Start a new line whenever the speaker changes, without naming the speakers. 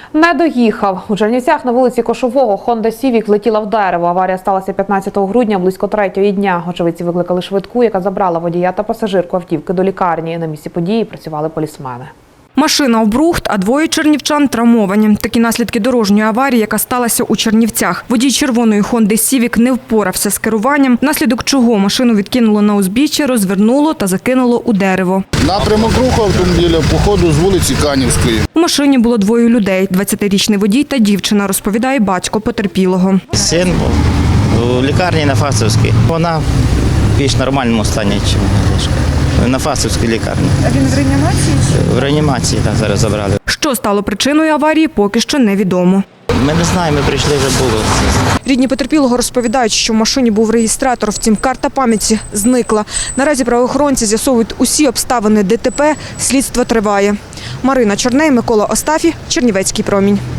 Не доїхав. У Чернівцях на вулиці Кошового Honda Civic влетіла в дерево. Аварія сталася 15 грудня близько 3-ї дня. Очевидці викликали швидку, яка забрала водія та пасажирку автівки до лікарні. На місці події працювали полісмени.
Машина обрухт, а двоє чернівчан травмовані. Такі наслідки дорожньої аварії, яка сталася у Чернівцях. Водій червоної Honda Civic не впорався з керуванням, внаслідок чого машину відкинуло на узбіччя, розвернуло та закинуло у дерево.
Напрямок руху автомобіля по ходу з вулиці Канівської.
У машині було двоє людей – 20-річний водій та дівчина, розповідає батько потерпілого.
Син був у лікарні на Фастівській. Вона в більш нормальному стані, ніж Олешка. На Фастівській лікарні. А він в реанімації? В реанімації, так, зараз забрали.
Що стало причиною аварії, поки що невідомо.
Ми не знаємо, ми прийшли, вже було.
Рідні потерпілого розповідають, що в машині був реєстратор, втім карта пам'яті зникла. Наразі правоохоронці з'ясовують усі обставини ДТП, слідство триває. Марина Чорней, Микола Остафій, Чернівецький промінь.